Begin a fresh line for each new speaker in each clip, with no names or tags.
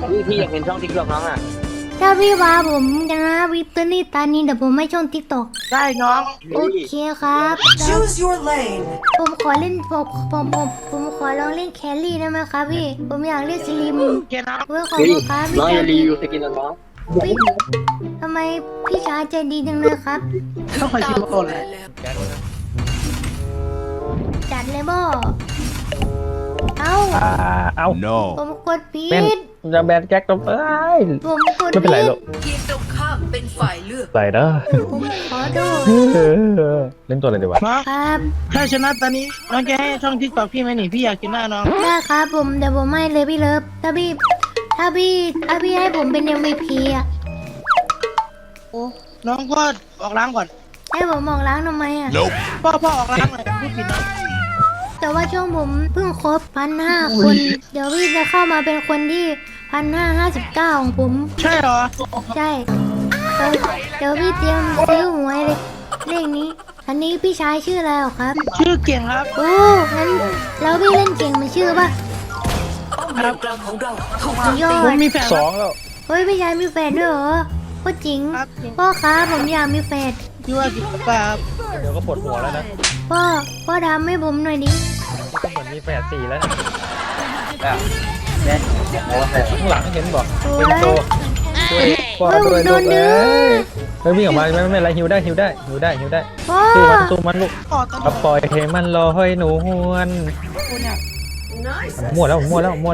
พี่อยากเห็นช่องทิกตอกน้องอ่ะ
ถ้าพี่ว่าผมนะวิตอรี่ตานี้เดี๋ยวผมไม่ช่องทิกตอก
ได้น้อง
โอเคครับแล้ว
Choose your lane.
ผมขอเล่นผมขอลองเล่นแครี่ได้ไหมครับพี่ผมอยากเล่นสลิม
โอเคน้อง
เว้ยขอบคุณครับพี่
น้อง
ชา
จะ
ย
รีวิวสกินน้อง
พี่ทำไมพี่ชายใจดีจังเลยครับ
ต้องคอยชิมก่อนเลย
จัดเลยบ่เอ้า
เอา
No.
ผมกดผิ
เป็น
ด
จะแบนแก๊กต้องไป
ผมกด
ไม่เป็นไร
ผิ
ห
ด
รอก
ทีมตรงข้ามเป็นฝ่ายเลือก
ไหลเด้อ
ผมขอโทษ
เล่นตัวอะไรดีวะ
น้อง
ครับ
ถ้าชนะตอนนี้น้องจะให้ช่องทิกตอกพี่ไหมนี่พี่อยากกินหน้าน้อง
ได้ครับผมเดี๋ยวผมให้เลยพี่เลิฟถ้าพี่ให้ผมเป็น MVP อ่ะ
โอ้น้องก็ออกล้างก่อน
ให้ผมมองล้างทำไมอ่ะ
Nope.
พ่อออกล้างหน่อยพูดผิดน้อง
แต่ว่าช่วงผมเพิ่งครบ1,500 คน เดี๋ยวพี่จะเข้ามาเป็นคนที่1,559ของผม
ใช่เหรอ
ใช่เดี๋ยวพี่เตรียมซื้อหวยเลยเลขนี้ อันนี้พี่ชายชื่ออะไรหรอครับ
ชื่อเก่งครับ
โอ้งั้นแล้วพี่เล่นเก่งมันชื่อป่ะ
ป้อมเลนกลางของเราถูก
สุดยอ
ผม
ด
มีแฟน
สองแล้ว
เฮ้ยพี่ชายมีแฟนด้วยเหรอโคตรจริง
ครับ
พ่อครับผมอยากมีแฟน
ชื่อว่ากินปลาครับ
เดี๋ยวก็ปวดหัวแล้วนะ
พ่อทำให้ผมหน่อยดิ
ก็เหมือนมีแฝดสี่แล้วนะ
เนี่ยโอ้โห
ข้างหลังเห็นบอก
โอ้
เป็น
ย
ตัวพ่อ
เฮ้ย
ตัว
ผมโดนดึง
เฮ้ยวิ่งออกมาไม่เป็นไรฮิวได้
พ่อ
สู้มันลูก
ต่อตลอด
ปล่อยให้มันลอยหนูหวน
คนเนี่ย
มั่วแล้ว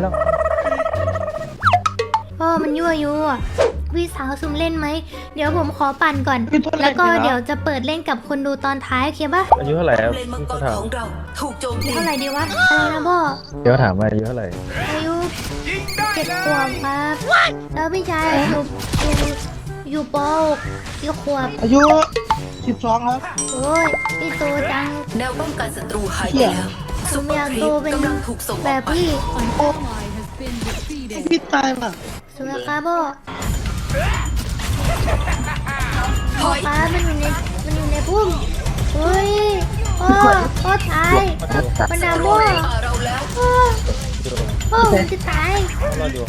พ่อมันยั่วยุอ่ะพี่สาวซุ่มเล่นไหมเดี๋ยวผมขอปั่นก่อน แล้วก็เดี๋ยวจะเปิดเล่นกับคนดูตอนท้ายโอเคปะ
อายุเท่าไหร่ครับ
เลนมังก
เขา
ร
ถาม
ของเราถูกโจมตี
เท่าไหร่ดีวะอะไรนะพ่อ
เดี๋ยวถามว่าอายุเท่าไหร่
อายุ7 ขวบครับแล้วพี่ชายอยู่ป .6 กี่ขวบ
อายุ12ครับ
โอ้ยพี่โตจัง
แนวป้องกันศัตรูหายไปแล้ว
ผ
ซุ
ม
ปเปอ
อยา
ร์
ก
ครี
โต
ป
เป็น
กำลังถูกส่งอ
แบ
อก
บ
ไป
พี่
พี่ตายป่ะ
สุดครับพ่อ
ถอย
ป้ามันอยู่ในพุ่มเฮ้ยพ่อตายมันด่าพ่อ
เราแล้ว
พ่อผมจะตาย
รออยู่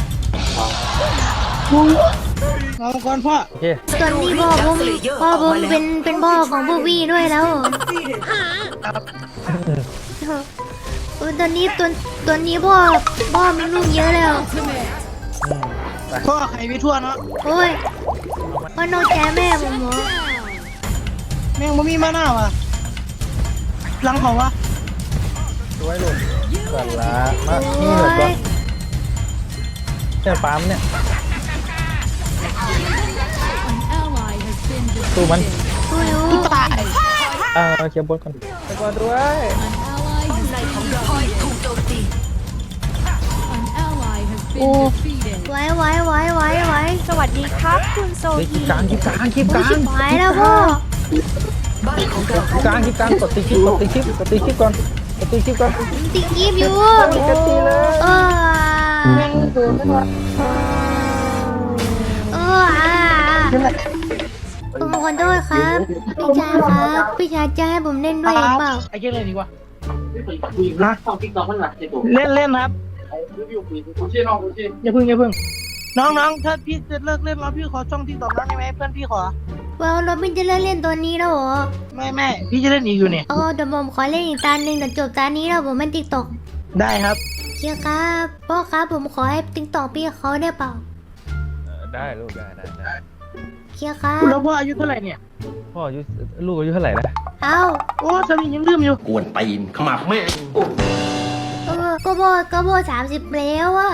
เอาก่อนพ่อ
โอเค
ส่วนนี้พ่อผมเป็นพ่อของพวกวี่ด้วยแล้วตอนนี้ตัวนี้พ่อมีลูกเยอะแล้ว
พ่อใครไปทั่วเนาะ
โอ้ยพ่อนอกใจแม่ผมเหรอ
แม่งบ่มีมาหน้าว่ะหลังเขาวะ
ดูไว้ลูกก่อนละมา
โอ้
นี่เหลือก่อน
ย
แค่ปั๊มเนี่ยสู้มัน
ดูอยู่
ตาย
เคลียร์บนก่อนไปก่อนด้วย
ป้อมในของเราถูกโจมตี
โอ้
ไว้สวัสดีครับคุณโซ
คลิ
ฮี
ปกลาง
ชิบหายแล้วพ่อ
บ้านของเรา
คลิปกลางกดตีคลิปก่อนกดตีคลิปก่อน
ติดกีบอยู่
กดตีเลย
เออผมขอโทษครับพี่ชายครับพี่ชายจะให้ผมเล่นด้วยหรือเปล่า
ไอ้เจ๊เลยดีกว่า
นะช่องทิกตอกมันหนักเจ็บปวด
เล่นครับ
คุณชื่อน้องคุณชื่อ
อย่าพึ่งน้องถ้าพี่จะเลิกเล่นแล้วพี่ขอช่องที่ตอกน้องได้ไหมเพื่อนพี่ขอ
ว้าวเราไม่จะเล่นตัวนี้แล้วเหรอ
ไม่พี่จะเล่นอีกอยู่เนี่ย
เดี๋ยวผมขอเล่นอีกตาหนึ่งเดี๋ยวจบตานี้แล้วผมไม่ติ๊กตอก
ได้ครับ
เชียร์ครับพ่อครับผมขอให้ติ๊กตอกพี่เขาได้เปล่า
ได้ลูกได้
เชียร์ครับ
แล้วพ่ออายุเท่าไหร่เนี่ย
พ่ออายุลูกอายุเท่าไหร่นะ
เอ้า
โอ้สามียังลืมอยู่
กวนตีนขมับแม่ง
ก็พ่อ30แล้วอะ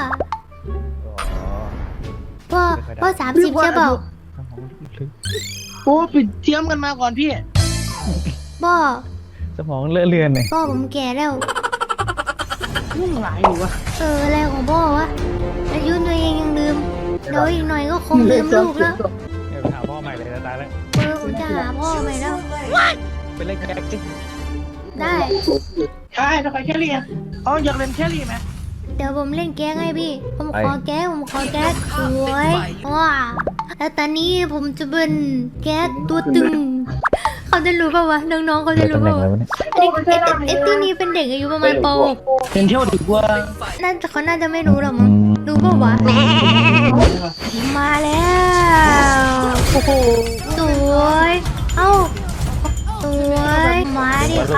พ่อ30ใช่เปล่า
โอ้ปิดเทียมกันมาก่อนพี่
พ่อ
สมองเลอะเลือนเนี่ย
พ่อผมแก่แล้ว
ยุ่งหลายอยู่วะ
อะไรของพ่อวะอายุตัวเองยังลืมเดี๋ยวอีกหน่อยก็คงลืมลูกแล้ว
เดี๋ยวหาพ่อใหม่เลยตายแล้ว
ผมจะหาพ่อใหม่แล้ว
เป็นเล่นแก๊กสิ
ได้
ใช่ถ้าใครแครี่อ๋ออยากเล่นแครี่ไหม
เดี๋ยวผมเล่นแก๊กให้พี่ ผมขอแก๊กสวยว้าแล้วตอนนี้ผมจะเป็นแก๊กตัวตึง เขาจะรู้ป่าวะน้องๆเขาจะ
เดี๋ยว
รู้
ตำแหน่
ป่าง
อะไร
วะ
วะเนี่ย
ไอ้ที่นี่เป็นเด็กอายุประมาณป
เป็นเที่ยวดีกว่า
.6 เขาน่าจะไม่รู้หรอกมั้งรู้ป่าวะ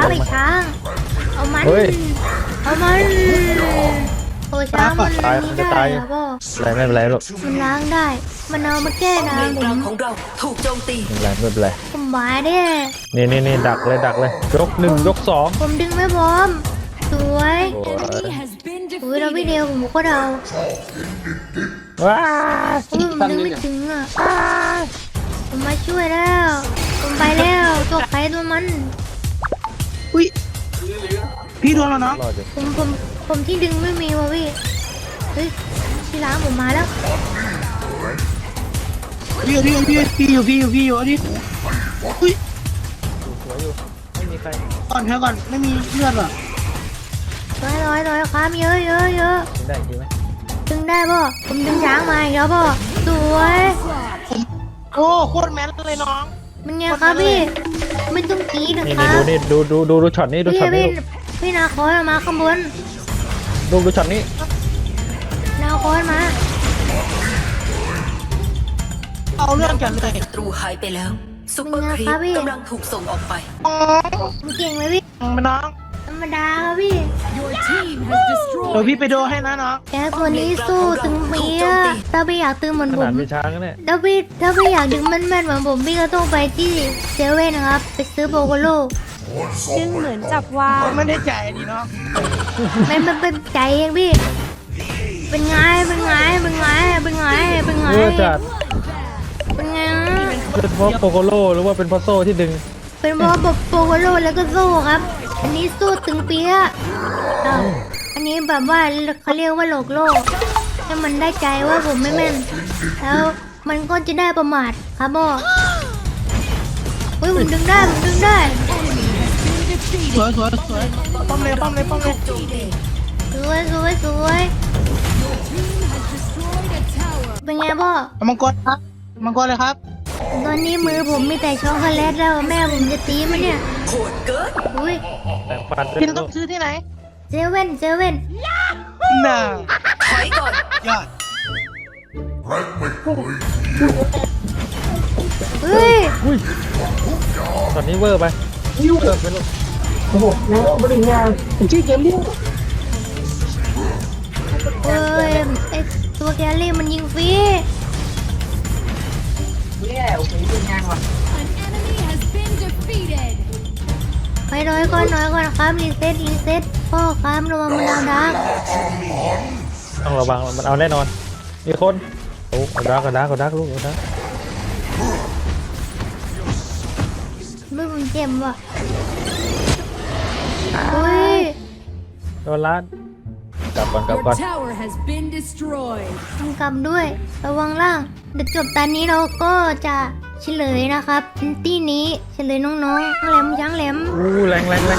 ไม่ช้างเอามัน
เฮ้ย
เอามันโอ้ช้างมัน
ตาย
นี่
จะ
ได้
ตาย
เหรอพ่อ
อะไรไม่เป็นไรหรอก
มันล้างได้ มันเอามาแก้น้ำผ
กลาง
ม
ของเราถูกโจมตี
ไม่เป็นไร
ผมบายเด้
นี่ดักเลยยกหนึ่งยกสอง
ผมดึงไม่พร้อมสวย
โอ้ย
อุ้ยเราไม่เดียวผมก็เดา
ว้า
ผมดึงไม่ถึงอ่ะผมมาช่วยแล้วผมไปแล้วตัวใครตัวมัน
อุ้ยพี่โดนแล้วน้อง
รอดอยู่
ผมที่ดึงไม่มีว่ะพี่เฮ้ยที่ล้างผมมาแล้ว
พี่อยู่ดิอุ้ย
สวยอยู่ไม่มีใคร
ก่อนเธอก่อนไม่มีเลือดหรอ
ร้อยครับเยอะ
ยิงได้จริงไหม
ดึงได้ป่ะผมดึงช้างมาอีกแล้วป่ะสวย
โอ้โคตรแมนเลยน้อง
มันไงครับพี่ไม่ต้องกรีดนะ
นี่
ครั
นี่
บ
ดูช็อตนี้ดู
พี่
ช็อตนี้
พี่นาคอยมาข้างบน
ดูช็อตนี้
นาคอยมา
เอาเรื่องกันเลย
ศัตรูหายไปแล้วซุปเปอร์ครีปกำลังถูกส่งออกไป
ผมเก่งไหมพี่
มาน้อง
ธรรมดาครับพี่
เดี๋ยวพี่ไปดูให้นะน้อง
แกตัวนี้สู้ตึงเปียะถ้าพี่อยากตึงเหมือน
ข
ผ
นาด
ม
มีช้างเนี่ย
ถ้าพี่อยากดึงแม่นๆเหมือนผมพี่ก็ต้องไปที่เซเว่นนะครับไปซื้อโบโกโล
ดึงเหมือนจับวาง
ไม่ได้จ่ายดิน้อง
มันเป็นใจเองพี่เป็นไง
เพื่อจัด
เป็นไง
เป็นเพราะโปโกโลหรือว่าเป็นเพราะโซ่ที่ดึง
เป็นเพราะแบบโปโกโลแล้วก็สู้ครับ อันนี้สู้ตึงเปียะอ้าวอันนี้แบบว่าเขาเรียกว่าโลกโลกให้มันได้ใจว่าผมไม่แม่น แล้วมันก็จะได้ประมาทครับพ่อเฮ้ยผมดึงได้
สวยป้อมเลย
โจมตี
สวยเป็นไงพ่อ
มังกรครับมังกรเลยครับ
ตอนนี้มือผมมีแต่ช็อกโกแลตแล้วแม่ผมจะตีมันเนี่ย
โหดเกิน
อุ้ย
แต่ปัด
พี่ต้องซื้อที่ไหน
เซเว่น
น่า
ถอยก่อน
ยอด
เฮ้ย
อุ้ยตอนนี้เวอร์ไปเวอร์ไปลูก
เอ้ยไอตัวแกลลี่มันยิงฟรี
เนี่ยโอ้โหเป็นยังวะ
ไปน้อยก่อนครับรีเซ็ตพ่อครับระวังมันดาวดัก
ต้องระวังมันเอาแน่นอนมีคนโอ้เอาดักลูกเอาดัก
มือผมเจ็บว่ะอุ้ย
โดนล้านกลับก่อน
Tower has been destroyed
ต้องกลับด้วย ระวังล่างเดี๋ยวจบตอนนี้เราก็จะเฉลยนะครับที่นี้เฉลยน้องๆแหลมช้างแหลม
อู้แรง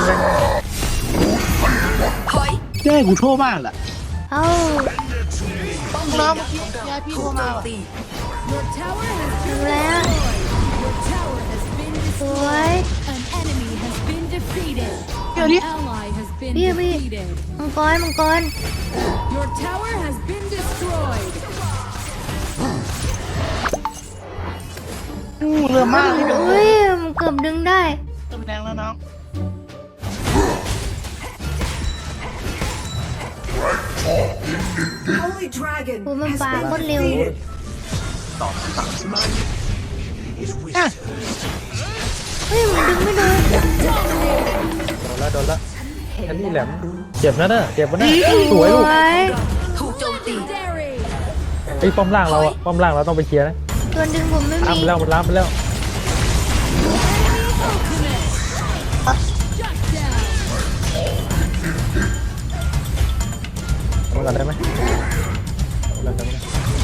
ถอย
แก้กูโทษมากล่ะ
เอ้า
ป้อม
น้อง
เล
เมื่อกี้ยายพี่
ถู
โทร
กโจ
มาม ว่ะ
ตี
Your tower has
ดูแล้ว
Your tower has been
สวย
An enemy has been defeated
เดี๋ยวนี้
Ally has been
Bia.
defeated
มังกร
Your tower has been destroyed
เรือมากเลย
อุ้ยมันเกือบดึงได้
เติมแรงแล้วน้อง
Holy Dragon
โอ้มันปาโคตรเร็ว
อ่ะ
เฮ้ยมันดึงไม่โดน
โดนละอันนี้แหลมเจ็บนะเจ็บนะสวยลูก
ถูกโจมตี
Dairy
ไอ้ป้อมล่างเราอะป้อมล่างเราต้องไปเคลียร์นะ
ตัวดึงผมไม่
ล้าง
มี
ไปแล้วมันล้างไปแล้ว
Shut down
เอาก่อนได้ไหมเอาก่อนได้ไหม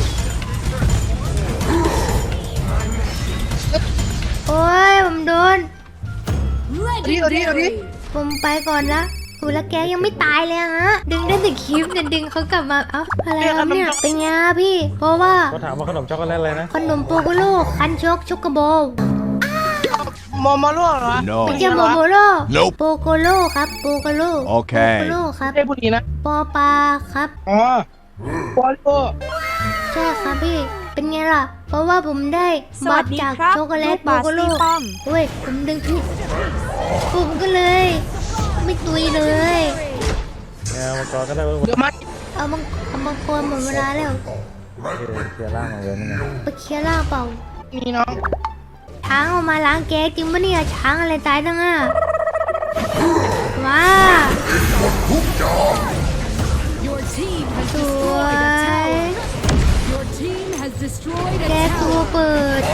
โอ้ยผมโดน
Legendary
ผมไปก่อนละโอ้แล้วแกยังไม่ตายเลยอะฮะ ดึงได้แต่คลิปเนี่ยดึงเขากลับมา เอ้าอะไรครับเนี่ย เป็นไงอะพี่ เพราะว่า
เขาถามว่าขนมช็อกโกแลตอะไรนะ
ขนมโปโกโลคันโชกช็อกโกโบ
มอลเหรอ
ไม่ใช่โมโมโลโปโกโลครับโปโกโลโปโกโลครับ
ได้บุรีนะ
ปอปลาครับ
อ๋อปอลโล
ใช่ครับพี่เป็นไงล่ะ เพราะว่าผมได้
ส
บั
วั
ฟ
สดี
จาก
ครับ
ช็อกโกแลต
ลูก
โบบ
าส
โกโล
ตีป้อม
เว้ยผมดึงผิดผมก็เลย ไม่ตุยเลย
เนี่ยมังกรก็ได้เว้ย
เดี๋ยวมา
เอามังกรหมดเวลาแล้ว
เคลียร์ร่างมาเลยนี่ไง
ไปเคลียร์ล่างเปล่า
นี่น้อง
ช้างออกมาล้างแกจริงปะเนี่ยช้างอะไรตายตั้งอ่ะว้า
Your team has
สว
destroyed a
ย
tower. Your team has destroyed
แก
a
ตัว
tower.
เปิด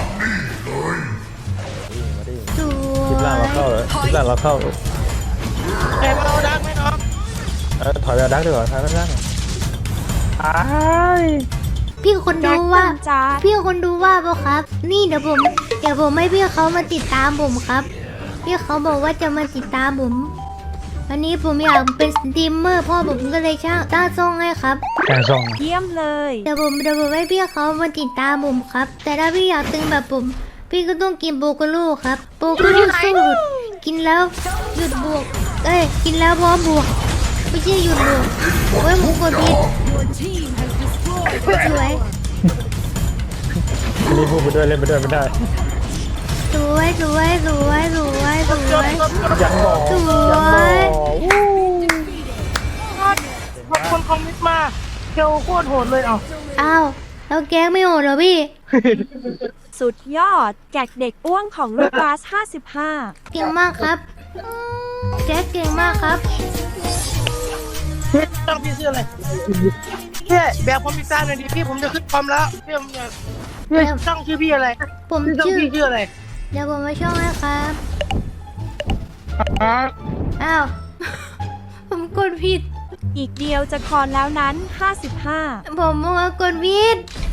มาดิ
ส
คลิป
ว
ล่างเราเข้าย เลยคลิปล่างเราเข้า
แอบเอาดักไหมน้อง
ถอยไปเอาดักดีกว่าทางด้านล่างอ้าย
พี่คนดูว่า
แจ็คจ้า
พี่คนดูว่าเปล่าครับ นี่เดี๋ยวผมให้พี่เขามาติดตามผมครับ พี่เขาบอกว่าจะมาติดตามผม วันนี้ผมอยากเป็นสตรีมเมอร์พ่อผมก็เลยตั้งช่องให้ครับ
แกงซอง
เยี่ยมเลย
เดี๋ยวผมให้พี่เขามาติดตามผมครับ แต่ถ้าพี่อยากตึงแบบผม พี่ก็ต้องกินโบโกโลครับโบโกโลสู้หยุดกินแล้วหยุดบวก กินแล้วพร้อมบวก ไม่ใช่หยุดบวกเว้ยมึงกดผิด
Your team has destroyed
สวย
อันนี้พูดไปด้วยเล่นไปด้วยไม่ได้
สวย
ยังบอก
ส
ยัง
ว
บอก
ย
ขอบคุณคอมมิตมาเคียวโคตรโหดเลยเอ้า
อ้าวแล้วแก๊งไม่โหดเหรอพี่
สุดยอด แกกเด็กอ้วงของลูกบาส55
เก่งมากครับแก๊กเก่งมากครับ
ตั้งพี่ชื่ออะไรพี่แบบผมพิซซ่าหน่อยดิพี่ผมจะขึ้นคอมแล้วพี่ผมอยากพี่ตั้งชื่อพี่อะไร
ผม
พี่ตั้ง
ชื่อ
พี่ชื่ออะไร
เดี๋ยวผมมาช่องให้ครับ อ้าว ผมกดผิด
อีกเดียวจะคอนแล้วนั้น 55
ผมว่ากดผิด